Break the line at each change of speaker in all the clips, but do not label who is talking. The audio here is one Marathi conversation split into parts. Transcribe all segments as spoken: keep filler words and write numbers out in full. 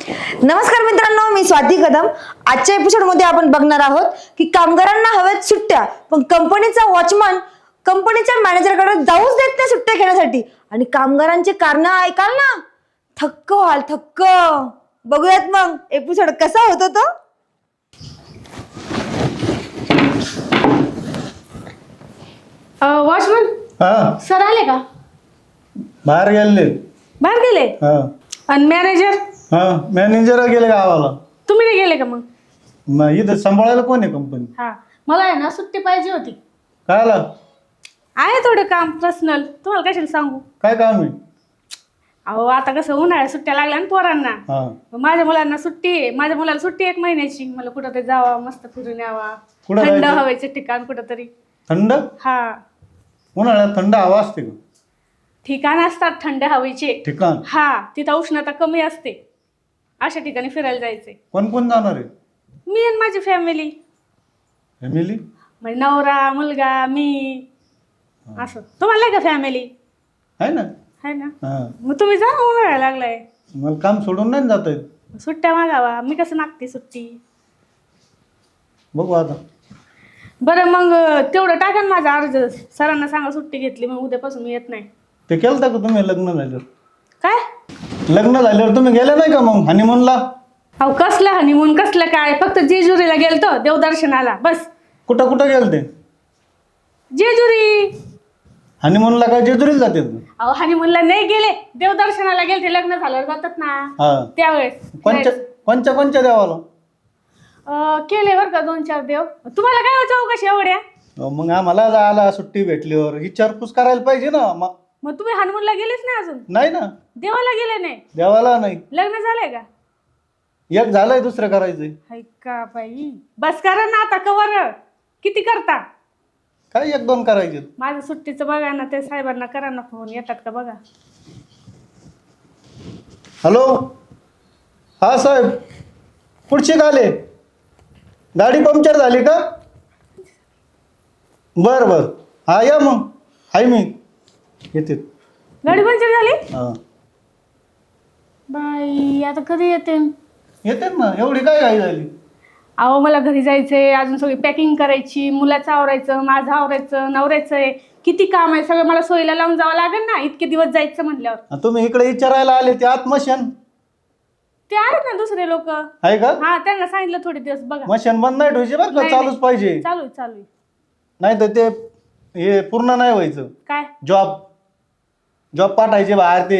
नमस्कार मित्रांनो, मी स्वाती कदम। आजच्या एपिसोडमध्ये आपण बघणार आहोत की कामगारांना हवेत सुट्ट्या, पण कंपनीचा वॉचमन कंपनीच्या मॅनेजरकडे जाऊच देत नाही सुट्ट्या घेण्यासाठी। आणि कामगारांचे कारण ऐकाल ना, थक्क व्हाल थक्क। बघूयात मग एपिसोड कसा होता तो।
वॉचमन
हा
सर आले का?
बाहेर गेले.
बाहेर गेले?
हा
आणि मॅनेजर?
हा मॅनेजर गेले गावाला.
तुम्ही नाही गेले का? मग
मग इथं सांभाळायला कोण आहे कंपनी?
हा, मला आहे ना सुट्टी पाहिजे होती।
काय आला?
आहे थोडं काम पर्सनल, तुम्हाला कशाला सांगू।
काय काम आहे?
अहो आता कसं उन्हाळ्यात सुट्ट्या लागल्या ना पोरांना।
हा
माझ्या मुलांना सुट्टी आहे, माझ्या मुलाला सुट्टी एक महिन्याची। मला कुठंतरी जावा, मस्त फिरून यावा,
कुठं
थंड
जायचं?
हवेचे ठिकाण कुठंतरी।
थंड?
हा,
उन्हाळ्यात थंड हवा असते का?
ठिकाण असतात थंड हवेचे।
ठिकाण?
हा, तिथं उष्णता कमी असते, अशा ठिकाणी फिरायला जायचंय।
कोण कोण जाणार आहे?
मी आणि माझी फॅमिली,
फॅमिली
म्हणजे नवरा, मुलगा, मी, असं। तुम्हाला नाही का फॅमिली?
आहे ना.
आहे ना,
हा
मग तुम्ही जा, उन्हाळा लागलाय।
मला काम सोडून नाही जात येत.
सुट्ट्या मागावा, मी कसं मागते सुट्टी।
बघू आता.
बरं मग तेवढं टाका ना माझा अर्ज, सरांना सांगा सुट्टी घेतली, मग उद्यापासून मी येत नाही।
ते केलं का तुम्ही लग्न झाल्यावर?
काय
लग्न झाल्यावर तुम्ही गेले नाही का मग हनीमूनला?
अहो कसलं हनीमून, कसलं काय, फक्त जेजुरीला गेलतो देवदर्शनाला, बस।
कुठं कुठं गेल ते?
जेजुरी।
हनीमूनला काय जेजुरीला जाते?
अहो हनीमूनला नाही गेले, देवदर्शनाला गेलते, लग्न झाल्यावर जातात ना
हा
त्यावेळेस।
कोणच्या कोणच्या कोणच्या देवाला?
अं, केले बरं का दोन चार देव। तुम्हाला काय हो चौकशी एवढ्या?
अहो, मग आम्हाला जायला सुट्टी भेटल्यावर विचारपूस करायला पाहिजे ना. मग
मग तुम्ही हनुमूनला गेलेच नाही अजून?
नाही ना,
देवाला गेले नाही?
देवाला नाही.
लग्न झालंय का?
एक झालंय, दुसरं करायचंय.
हाय का बाई, बस करा ना आता, कवर किती करता?
काय एक दोन करायचे?
माझं सुट्टीचं बघा ना, ते साहेबांना करा ना फोन, येतात का बघा।
हॅलो, हा साहेब, पुढची आले, गाडी पंक्चर झाली का? बर बर, हा या मग, हाय मी येते.
गाडी पंक्चर झाली?
हा
बाई, आता कधी येते?
येते ना, एवढी काय घाई झाली?
अहो मला घरी जायचंय, अजून सगळी पॅकिंग करायची, मुलाचं आवरायचं, माझं आवरायचं, नवऱ्याचं आहे, किती काम आहे, सगळं मला सोयीला लावून जावं लागेल ना, इतके दिवस जायचं म्हणल्यावर।
तुम्ही इकडे विचारायला आले, ते आत्मशन
ते आहेत ना दुसरे लोक,
आहे का?
हा, त्यांना सांगितलं थोडे दिवस बघा।
मशीन बंद नाही ठेवायची बरं का,
नाही,
चालूच
नाही.
पाहिजे,
चालू आहे, चालू आहे।
नाही तर ते हे पूर्ण नाही व्हायचं.
काय?
जॉब जॉब पाठायचे बाहेर ते.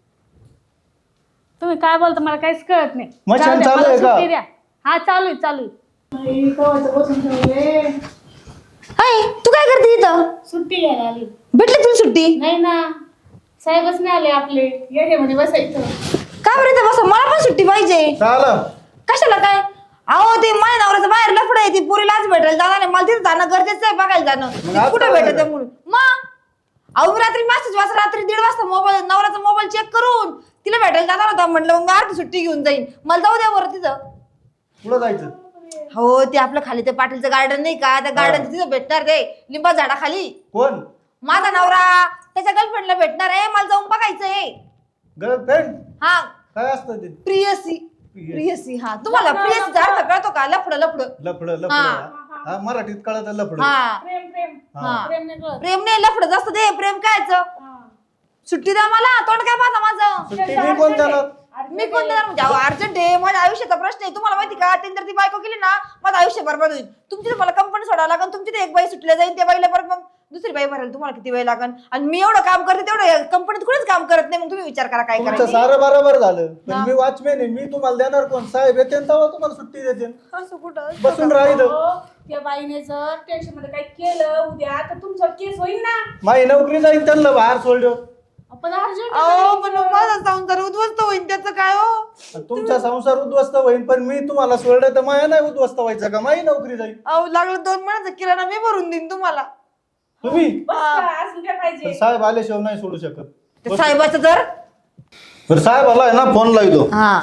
तुम्ही काय बोलता मला काहीच कळत नाही।
मशीन
जाऊ द्या,
चालू
मला
आहे का?
सुट्टी द्या। हा चालू आहे, चालू आहे। बसून ठेवले,
हाय, तू काय करते इथं?
सुट्टी घ्यायला आली।
भेटली तुला सुट्टी?
नाही ना, साहेबच नाही आले आपले, ये मध्ये बसायचं।
का बरं इथं बस, मला पण सुट्टी पाहिजे।
चालं
कशाला काय? अहो ते माझ्या नवऱ्याचं बाहेर लफडं आहे, ती पुरीलाच भेटायला जाणार नाही, मला तिथे जाणं गरजेचं आहे, बघायला जाणं।
मग आज
कुठे
काय
भेटत
झालं?
म्हणून मग अहो मी रात्री मेसेज वाजता, रात्री दीड वाजता मोबाईल नवऱ्याचा मोबाईल चेक करून तिला भेटायला जाणार होता, म्हटलं मग मी अर्धी सुट्टी घेऊन जाईन, मला जाऊ द्या बरं तिथं।
पुढं जायचं?
हो, ते आपलं खाली ते पाटीलचं गार्डन नाही का, त्या गार्डन तिथं भेटणार ते लिंबा झाडाखाली।
कोण?
माझा नवरा त्याच्या गर्लफ्रेंडला भेटणार आहे, मला जाऊन बघायचंय।
गर्लफ्रेंड?
हा,
काय असतं ते?
प्रियसी। प्रियसी, हा, तुम्हाला प्रियसीचा अर्थ कळतो का? लफडं लफडं
लफड लफड
हा.
हा, मराठीत कळत लफड.
हा,
प्रेम प्रेम
हा,
प्रेम नाही कळत।
प्रेम नाही, लफडं जास्त ते प्रेम कायचं? सुट्टी द्या मला, तोंड काय पाहता माझं?
सुट्टी मी कोण देणार?
मी कोण देणार म्हणजे? अर्जंट आहे, माझ्या आयुष्याचा प्रश्न आहे, तुम्हाला माहिती का? तीन जर ती बायको केली ना, माझं आयुष्य बरबाद होईल। तुमची तर मला कंपनी सोडावं लागेल, तुमची तर एक बाई सुटल्या जाईल, त्या बाईला परत मग दुसरी बाई भरायला तुम्हाला किती वेळ लागेल? आणि मी एवढं काम करते तेवढं कंपनीत कुणीच काम करत नाही, मग तुम्ही विचार करा काय
तुमचं
करायचं।
सारं बरोबर झालं, पण मी वॉचमॅन आहे, मी तुम्हाला देणार कोण? साहेब येते तेव्हा तुम्हाला सुट्टी देते.
असं कुठं
बसून राहिलं.
अहो, त्या बाईने जर टेन्शन मध्ये काही केलं उद्या, तर तुमचा केस होईल ना।
माझी नोकरी जाईल, त्यांना बाहेर सोडलं.
आपण अर्जंट
अहो पण मग माझा संसार उद्ध्वस्त होईल, त्याचं काय हो?
तुमचा संसार उद्ध्वस्त होईल, पण मी तुम्हाला सोडलं तर माया नाही उद्ध्वस्त व्हायचं का? माझी नोकरी जाईल.
अहो लागलं दोन महिन्याचा किराणा मी भरून देईन तुम्हाला।
तुम्ही
अजून काय पाहिजे?
पण साहेब आल्याशिवाय नाही सोडू शकत.
ते साहेबाचं तर
बरं साहेब आलाय ना, फोन लावतो.
हा,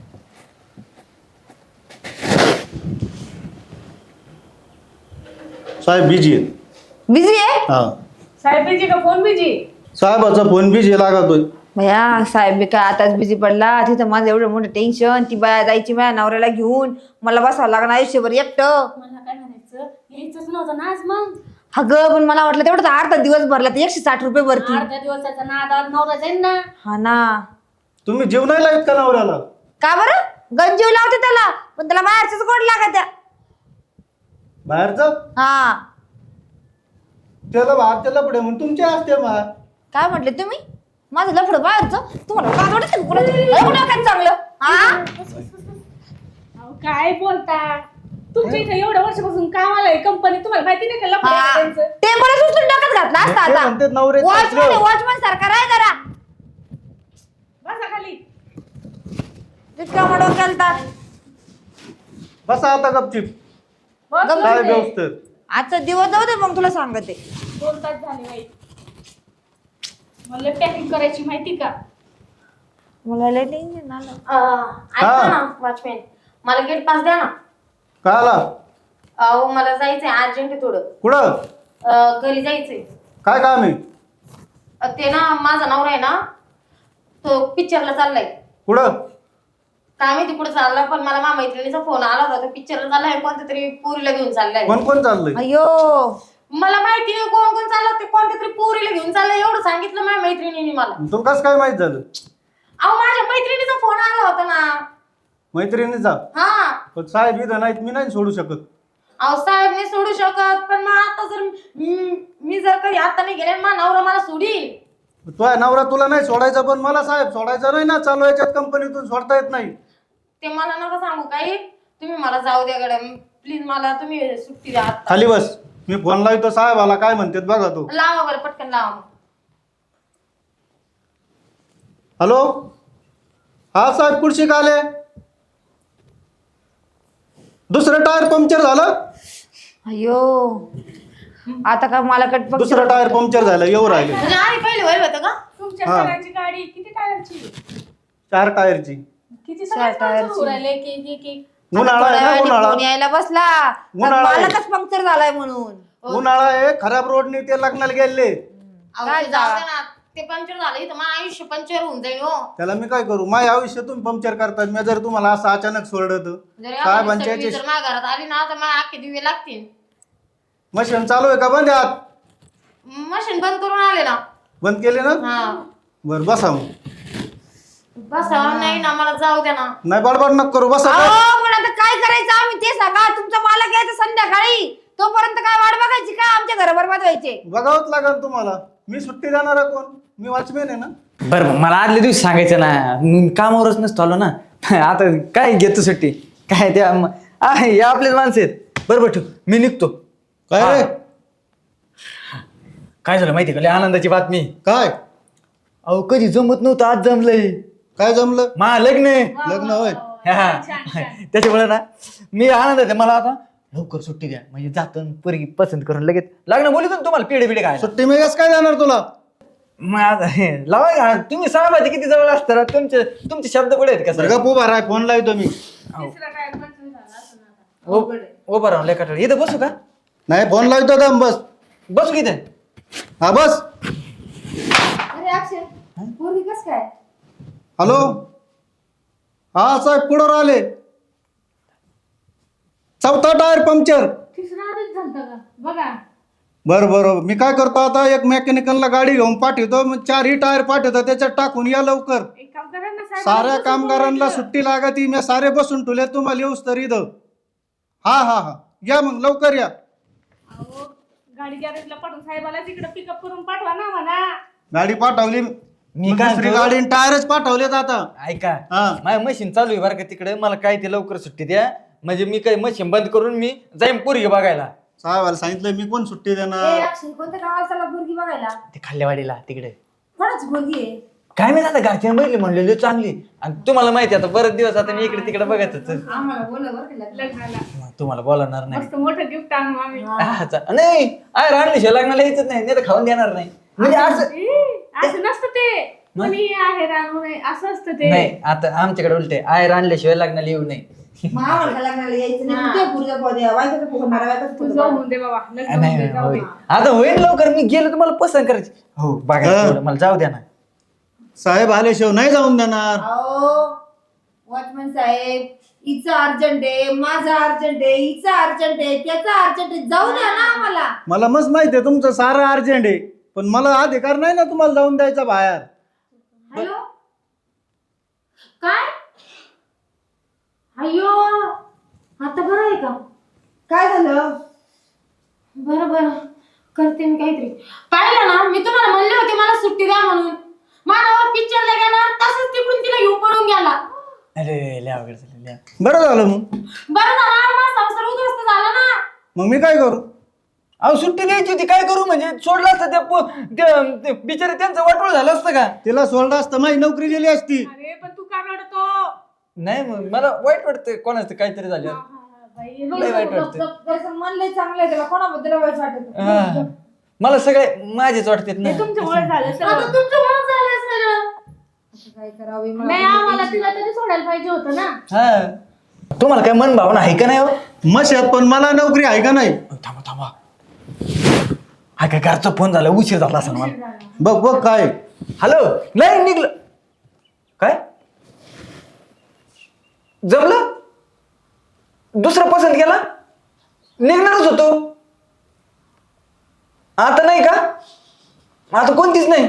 साहेब बिजी आहेत.
बिझी आहे?
हा,
साहेब बिजी का फोन बिजी?
साहेबाचा फोन बिजी लागतोय.
भया साहेब बी काय आताच बिझी पडला तिथं माझं एवढं मोठं टेन्शन ती बाया जायची माझ्या नवऱ्याला घेऊन मला बसावं लागणार आयुष्यभर एकटं.
मला काय म्हणायचं यायचंच नव्हतं ना आज मग.
अगं पण मला वाटलं तेवढं अर्धा दिवस भरला तर एकशे साठ रुपये भरती.
अर्ध्या दिवसाचा नादात नवरा जाईल ना.
हा ना.
तुम्ही जीव नाही लावत का नवऱ्याला?
का बरं गंजीव लावते त्याला पण त्याला बाहेरच गोड लागत त्या.
बाहेरचं
हा
त्याला भात त्याला पुढे म्हणून तुमचे असते मा.
काय म्हटले तुम्ही माझं लफडं बाहेरचं तुम्हाला काय वाटत कुठं चांगलं हा.
अहो, काय बोलता तुमच्या इथे एवढ्या वर्षापासून कामाला आहे कंपनी तुम्हाला माहिती नाही का लफडं आहे त्यांचं?
ते मला सुचून डोक्यात घातला असता
ते
आता.
म्हणतात नवऱ्याचं
वॉचमन
असलं.
वॉचमन सारखा राय जरा
बसा खाली.
तितका मग डोक्याला ताप.
बसा आता गपचिप.
बस
गप्प
काय
बसले.
व्यवस्थित.
आजचा दिवस जाऊ दे मग तुला सांगते.
दोन तास झाले बाई. मला पॅकिंग करायची माहिती का?
मला लय टेन्शन आलं.
ऐका ना वॉचमॅन, मला गेट पास द्या ना.
काय आला?
अहो मला जायचंय अर्जंट आहे थोडं.
कुठं?
अं, घरी जायचंय.
काय काम आहे?
अं, ते ना माझा नवरा आहे ना तो पिक्चरला चाललाय.
कुठं?
काय माहिती कुठं चालला पण मला माझ्या मैत्रिणीचा फोन आला होता तो पिक्चरला चाललाय कोणत्या तरी पोरीला घेऊन चाललाय.
कोण कोण चाललंय?
अयो
मला माहिती नाही कोण कोण चाललं ते कोणत्या तरी पोरीला घेऊन चाललंय एवढं सांगितलं माझ्या मैत्रिणीने मला.
तुला कसं काय माहित झालं?
अहो माझ्या मैत्रिणीचा फोन आला होता ना.
मैत्रिणीचा?
हा.
पण साहेब इथं नाहीत मी नाही सोडू शकत.
अहो साहेब नाही सोडू शकत पण मग आता जर मी- मी जर कधी आता नाही गेले माझा नवरा मला सोडील.
तुझ्या नवरा तुला नाही सोडायचा पण मला साहेब सोडायचा नाही ना. चालू याच्यात कंपनीतून सोडता येत नाही.
ते मला नका सांगू काही तुम्ही मला जाऊ द्या गड्या प्लीज मला तुम्ही सुट्टी द्या आता.
खाली बस. मी फोन लावतो साहेबाला काय म्हणतात बघा तू.
लावा बरं पटकन लावा मग.
हॅलो हा साहेब कुठशी का आले? दुसरं टायर पंक्चर झालं?
अयो आता का मला कट
दुसरं टायर पंक्चर झालं येऊ राहिले.
म्हणजे आधी पहिले वय होतं का?
तुमच्या
हा.
सगळ्यांची गाडी किती टायरची?
चार टायरची.
किती
चार टायरची.
सगळ्यांची राहिले की की की
उन्हाळा आहे ना उन्हाळा.
यायला बसला
उन्हाळा आहे.
मालकच पंक्चर झालाय म्हणून.
उन्हाळा आहे खराब रोडने ते लग्नाला गेले.
अहो,
काय
ते जाऊ
जा?
द्या ना ते पंक्चर झालं इथं माझं आयुष्य पंक्चर होऊन जाईल हो.
त्याला मी काय करू? माझ्या आयुष्यातून पंक्चर करतात. मी जर तुम्हाला असं अचानक सोडलं तर
जर
साहेबांच्या
एखादी
याची
जर माझ्या घरात आली ना तर मला अख्खे दिवे लागतील.
मशीन चालू आहे का बंद आहे आत?
मशीन बंद करून आले ना.
बंद केले ना?
हा
बर बसा मग.
बसा नाही ना मला जाऊ द्या ना.
नाही बडबड नको करू बसा.
अहो, पण आता काय करायचं आम्ही ते सांगा. तुमचा मालक यायचं संध्याकाळी तोपर्यंत काय वाट बघायची का? आमच्या घर बरबाद व्हायचे.
बघावंच लागेल तुम्हाला. मी सुट्टी देणार आहे कोण? मी वॉचमॅन आहे ना.
बरं मला आदल्या दिवशी सांगायचं ना मी कामावरच नसतो आलो ना. आता काय घेतो सुट्टी काय त्या म- आहे हे आपलेच माणसं आहेत. बरोबर ठेव मी निघतो.
काय रे?
काय झालं माहिती का लय आनंदाची बातमी.
काय
अहो कधी जमत नव्हतं आज जमलंय.
काय जमलं?
मा लग्न आहे.
लग्न होय.
हा. त्याच्यामुळे ना मी आनंद आहे मला आता लवकर सुट्टी द्या म्हणजे जातो पोरगी पसंत करून लगेच लग्न बोलतो ना तुम्हाला पिढे पिढे काय
सुट्टी मी कसं काय देणार तुला?
मग आता हे लावा का तुम्ही साहेबाचे किती जवळ असतात तुमचे तुमचे शब्द पुढे आहेत का सर?
गप उभा राह फोन लावतो मी.
तिसरा टायर पंक्चर झाला असं ना आता.
उभं राहून लेखा इथं बसू का?
नाही फोन लावतो दम बस.
बसू की इथे?
हा बस.
अरे अक्षय पोरगी कसं काय?
हॅलो हा साहेब पुढं आले. चौथा टायर पंक्चर.
तिसरा आधीच झालता का बघा.
बरं बरं मी काय करतो आता एक मेकॅनिकलला गाडी घेऊन पाठवतो मग चारही टायर पाठवतो त्याच्यात टाकून या लवकर.
एक काम करा ना साहेब.
साऱ्या कामगारांना सुट्टी लागती. मी सारे बसून ठेवले तुम्हाला येऊस तर इथं. हा हा हा या मग लवकर या.
अहो गाडी गॅरेजला पाठवून साहेबाला तिकडे पिकअप करून पाठवा ना म्हणा.
गाडी पाठवली
मी
मग
काय
दुसरी
म्हणतो?
गाडी टायरच पाठवलेत आता.
ऐका
हा.
माझ्या मशीन चालू आहे बरं का तिकडे मला काय ते लवकर सुट्टी द्या म्हणजे मी काय मशीन बंद करून मी जाईन पोरगी बघायला.
साहेबाला सांगितलं मी कोण सुट्टी
ए,
देणार?
अक्षय कोणत्या गावाला चालला पोरगी बघायला?
ते खाल्लेवाडीला तिकडे
कोणाच पोरगी आहे?
काय माहिती आता घरच्या बघितली म्हणलेली चांगली आणि तुम्हाला माहिती आता बरेच दिवस आता मी इकडे तिकडे बघतच
आम्हाला बोला बरं का लग्न.
लग्नाला
मग तुम्हाला बोलणार नाही.
मस्त मोठं गिफ्ट आणू आम्ही.
हा, चा- नाही आहे राणली लग्नाला यायचंच नाही नाही तर खाऊन देणार नाही म्हणजे असं
ए, असं नसतं ते. कोणी आहे रानू नये असं असतं ते.
नाही आता आमच्याकडे उलटे आहे राणल्याशिवाय लग्नाला येऊ नये.
मग आम्हाला का लग्नाला यायचं नाही. तुझ्या पोरीचा पोर द्या. बायकोचा पोर मारा, बायकोचा
तू
पोर
जाऊ
मारा.
होऊन दे बाबा लग्न होऊन
नाही
दे, जाऊ
होईल.
दे.
आता होईल लवकर मी गेलो तुम्हाला पसंत करायची हो बघा
हा.
तेवढं मला जाऊ द्या ना.
साहेब आल्याशिवाय नाही जाऊन देणार.
अहो वॉचमन साहेब, हिचं अर्जंट आहे, माझं अर्जंट आहे, हिचं अर्जंट आहे, त्याचं अर्जंट आहे, जाऊ द्या ना आम्हाला.
मला मस्त माहिती आहे तुमचं सारं अर्जंट आहे, पण मला अधिकार नाही ना तुम्हाला जाऊन द्यायचा बाहेर.
हॅलो काय अयो आता बरं आहे का?
काय झालं?
बरं बरं करते मी काहीतरी. पाहिलं ना मी तुम्हाला म्हणले होते मला सुट्टी द्या म्हणून. मानव पिक्चरला गेला तसंच तिकडून तिला घेऊन पळून गेला.
अरे लय अवघड झालं, लय.
बरं झालं मग.
बरं झालं माझा संसार उद्ध्वस्त झाला ना.
मग मी काय करू?
अहो सुट्टी द्यायची होती, काय करू म्हणजे सोडलं असतं त्या पो- त्या- ते बिचारे त्यांचं वाटोळ झालं असतं का?
तिला सोडलं असतं माझी नोकरी दिली असती.
अरे पण तू का रडतो?
नाही मग मला वाईट वाटतं कोणाचं काहीतरी झालं.
बाई,
लय वाईट वाटतं.
त्याचं मन लय चांगलं आहे, त्याला कोणाबद्दल वाईट वाटत
हा. मला सगळे माझेच वाटतात ना.
हे तुमच्यामुळे झालं
आता
सगळं.
तुमच्यामुळे झालं सगळं.
काय करावे मला
नाही आम्हाला तिला तरी सोडायला पाहिजे होतं ना.
हा तुम्हाला काय मन भावना आहे का नाही हो?
मशात पण मला नोकरी आहे का नाही?
थांबा थांबा, हा काय घरचा फोन झाला, उशीर झाला असं मला.
बघ बघ काय.
हॅलो, नाही निघलं काय? जमलं? दुसरा पसंत केला? निघणारच होतो. आता नाही का? आता कोणतीच नाही.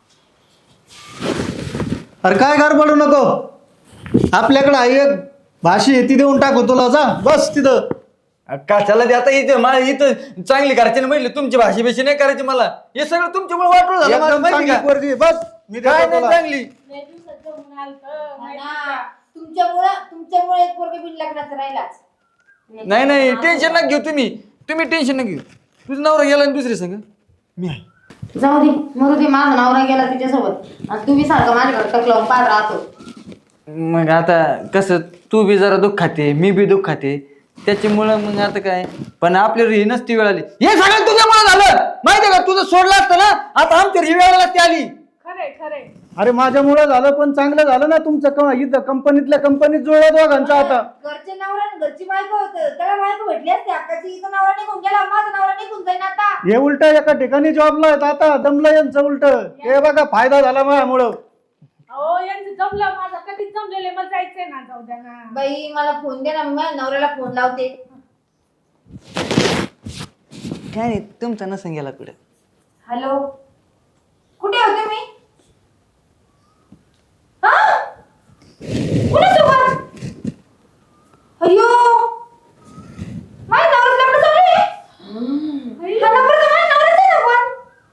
अरे काय गडबडू नको, आपल्याकडे आहे एक भाषी आहे ती देऊन टाकू तुला, जा बस तिथं.
कशाला ते आता इथं मला इथं चांगली घरच्याने म्हटलं तुमची भाषी बेशी नाही करायची मला. हे सगळं तुमच्यामुळे वाटलं झालं मला,
एकदम
माहिती
चांगली
का?
पोरगी, बस मी
काय
देतो
नाही
तुला.
चांगली.
लय दिवसात जमून आलतं, माहिती का?
तुमच्यामुळे तुमच्यामुळे एक पोरगा बिन लग्नाचा राहिलाच.
नाही नाही टेन्शन नका घेऊ तुम्ही, तुम्ही टेन्शन नका घेऊ. तुझं नवरा गेला आणि दुसरी संग मी आहे.
जाऊ दे मरू दे, माझा नवरा गेला तिच्यासोबत आणि तुम्ही सारखं माझ्याकडे टक लावून पाहत राहतो.
मग आता कसं तू बी जरा दुःख खाते, मी बी दुःख खाते, त्याच्यामुळं मग आता काय. पण आपल्यावर ही नसती वेळ आली. हे सगळं तुझ्यामुळे झालं माहितीये का? तुझं सोडलं असतं ना आता आमच्या ही वेळ नसती आली.
खरंय खरंय.
अरे माझ्यामुळं झालं, पण चांगलं झालं ना तुमचं. क- इथं कंपनीतल्या कंपनीत जुळलं दोघांचं आता.
घरचे नवरा आणि घरची बायको होतं, त्याला बायको भेटली असते अक्काची. इथं नवरा निघून गेला, माझा नवरा निघून जाईन आता.
हे उलट एका ठिकाणी जॉबला आहेत आता, दमलं यांचं उलट. हे बघा फायदा झाला माझ्यामुळं.
अहो यांचं जमलं, माझं कधीच जमलेलं, मला जायचंय ना, जाऊ द्या ना.
बाई मला फोन दे ना, मी माझ्या नवऱ्याला फोन लावते.
काय नाही तुमचा नसन गेला कुठे.
हॅलो, कुठे होते मी? हा? कुणासोबत? अय्यो, माझ्या नवऱ्याचं लग्न जमलंय? हा नंबर तर माझ्या नवऱ्याचा आहे ना पण.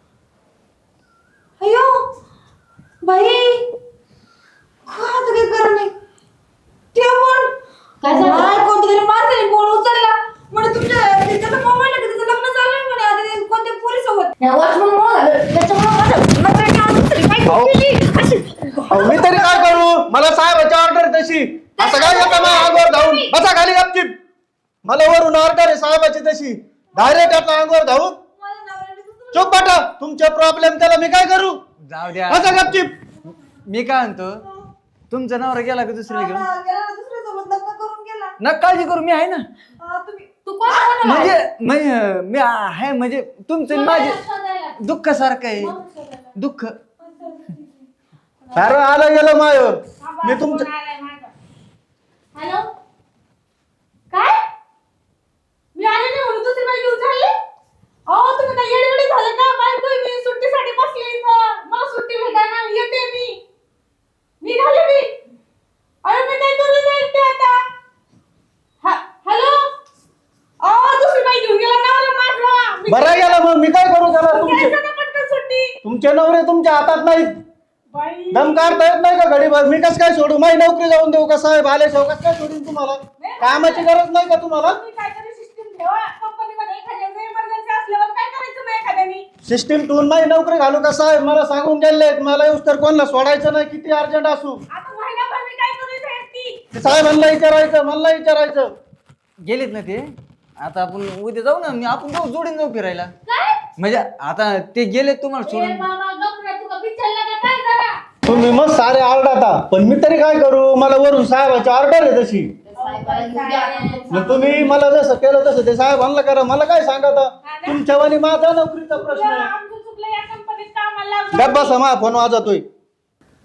अय्यो, बाई काय आता काय करा नाही. ते पण
काय झालं?
नाही, कोणत्या माणसाने फोन उचलला म्हणे तुमच्या त्याचा मोबाईल आहे, त्याचं लग्न चालू आहे म्हणे आता ते कोणत्या पोरीसोबत.
या वॉचमनमुळं झालं, त्याच्यामुळं माझं नवऱ्याने आणून दुसरी बायको केली. अशी-
अहो, मी तरी काय करू? मला साहेबाची ऑर्डर तशी. असं काय येतं माझ्या अंगावर धावून? बसा खाली गपचीप. मला वरून ऑर्डर आहे साहेबाची तशी. डायरेक्ट आता अंगावर धावून
माझ्या नवऱ्याने दुसरं-
चुप बाटा. तुमचे प्रॉब्लेम त्याला मी काय करू?
जाऊ द्या.
बसा गपचीप.
मी काय म्हणतो, तुमचा नवरा गेला का दुसरीला घेऊन?
हा, गेला ना, दुसऱ्यासोबत लग्न करून गेला.
न काळजी करू, मी आहे ना.
हा, तुम्ही
तू कोणाला बोलवलं?
म्हणजे म्हणजे मी आहे म्हणजे तुमचं आणि माझे
शोधायला.
दुःख सारखं आहे. दुःख
अरे आलं गेलं मायावर. मी तुमच्या
फोन आलाय माझा.
हॅलो
काय? मी आले नाही म्हणून दुसरी बाई घेऊन चालले? अहो तुम्ही काय येडगडी झालं का? बायको आहे मी, सुट्टीसाठी बसले इथं. मला सुट्टी भेटायला येते मी. निघाले मी. अरे मी काय करू शकते आता? हा- हॅलो? अहो दुसरी बाई घेऊन गेला नवरा माझा. मी
बरं गेलं मग मी काय करू त्याला? तुमचे
घ्यायचं ना पटकन सुट्टी.
तुमचे नवरे तुमच्या हातात नाहीत.
बाई.
दम काढता येत नाही का घडीभर? मी कस काय सोडू? माझी नोकरी जाऊन देऊ का साहेब? आले शेव कस काय सोडून तुम्हाला? कामाची गरज नाही का तुम्हाला?
तुम्ही काहीतरी सिस्टीम ठेवा. कंपनीमध्ये एखाद्याचं इमर्जन्सी असल्यावर काय करायचं मग एखाद्यानी?
सिस्टीम ठेवून माझी नोकरी घालू का साहेब? मला सांगून गेले मला येऊस तर कोणाला सोडायचं नाही, किती अर्जंट असू.
आता महिनाभर मी काय करू इथे एकटी?
ते साहेबांना विचारायचं, मला विचारायचं.
गेलेत ना ते. आता आपण उद्या जाऊ ना, मी आपण जाऊ जोडीन जाऊ फिरायला.
काय?
म्हणजे आता ते गेले तुम्हाला
ए
सोडून.
बाबा गप रे, तू का पिक्चरला का काय जरा?
तुम्ही मग सारे आरडाता, पण मी तरी काय करू? मला वरून साहेबाची ऑर्डर आहे तशी.
साहेबाला घेऊन द्या.
मग तुम्ही मला जसं केलं तसं ते साहेबांना करा. मला काय सांगता? तुमच्यावानी माझा नोकरीचा प्रश्न आहे.
आमचं चुकलं, या कंपनीत कामाला लागलो.
गप्प बसा, माझा फोन वाजतोय.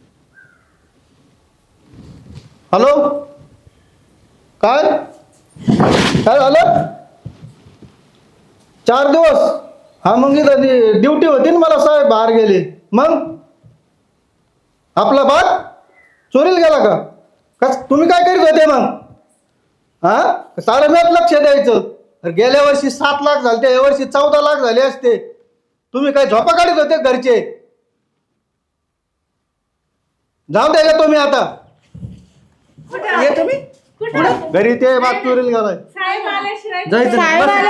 हॅलो काय काय झालं चार दिवस हा मग इथं ड्युटी होती ना मला साहेब बाहेर गेले मग आपला बाग चोरीला गेला का कस तुम्ही काय करीत होते मग हा सारं मॅच लक्ष द्यायचं तर गेल्या वर्षी सात लाख झाले या वर्षी चौदा लाख झाले असते तुम्ही काय झोपा काढत होते घरचे जाऊ द्या का तुम्ही आता
ये तुम्ही
घरी ते बाग चोरीला गेलाय
साहेब आल्याशिवाय
जायचं नाही. बस.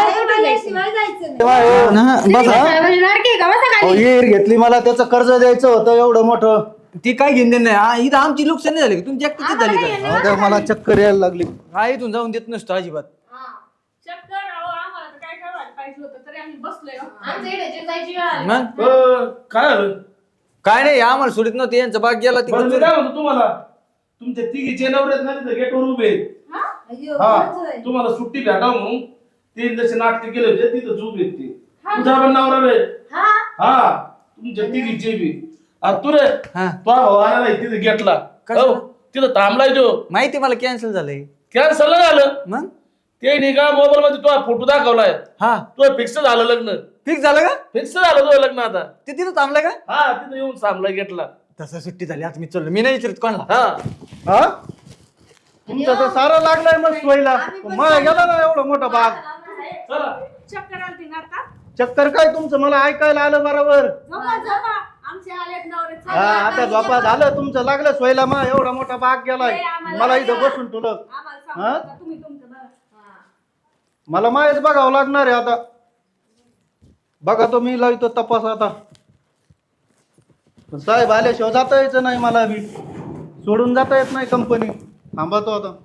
हा, बसा.
साहेबांची लाडकी आहे का? बसा
अहो,
खाली.
विहीर घेतली मला त्याचं कर्ज द्यायचं होतं एवढं मोठं
ती काय घेऊन देणार नाही हा, इथं आमची नुकसान नाही झाली का? तुमची एकटीच झाली का
अहो, त्या मला चक्कर यायला लागली
हा इथून जाऊन देत नसतो अजिबात
चक्कर अहो आम्हाला तर काय करायला पाहिजे होतं तरी आम्ही बसलोय हो.
आमच्या इथे जे जायची वेळ आली.
मग
काय झालं
काय नाही आम्हाला सोडित नव्हते यांचा बाग गेला
बरं मी
तिकडे
काय म्हणतो तुम्हाला तुमच्या तिघीचे नवरे आहेत ना तिथं गेटवर उभे आहेत. हा तुम्हाला सुट्टी भेटावं म्हणून ते जसे नाटक केले होते तिथं उभे आहेत ते तुझा पण नवरा रे
हा
हा तुमच्या तिघीचे बी अरे तू रे
हा.
तो भाऊ आला नाही तिथं गेटला
कशाला?
हो, तिथं थांबलाय तो
माहिती मला कॅन्सल झालंय
कॅन्सल झालं
मग
ते नाही का मोबाईल मध्ये तो फोटो दाखवलाय
हा
तो फिक्स झालं लग्न
फिक्स झालं का
फिक्स झालं तो लग्न आता
ते तिथं थांबलं का
हा तिथं येऊन थांबलाय गेटला
तसं सुट्टी झाली आता मी चललो मी नाही विचारत कोणाला
हा
हा तुमचं तर सारं लागलंय मग सोयीला मला गेला ना एवढा मोठा बाग
चला
चक्कर आलती ना आता
चक्कर काय तुमचं मला ऐकायला आलं बरोबर
झोपा झोपा आमचे आलेत नवरे
हा
चला.
आता झोपा झालं तुमचं लागलं सोयीला मग एवढा मोठा बाग गेलाय मला इथं बसून तुला
आम्हाला सांगू
हा?
नका, तुम्ही तुमचं बघा.
मला माहीत बघावं लागणार आहे आता बघा तो मी लावतो तपास आता पण साहेब आल्याशिवाय जाता यायचं नाही मला बी सोडून जाता येत नाही कंपनी थांबतो आता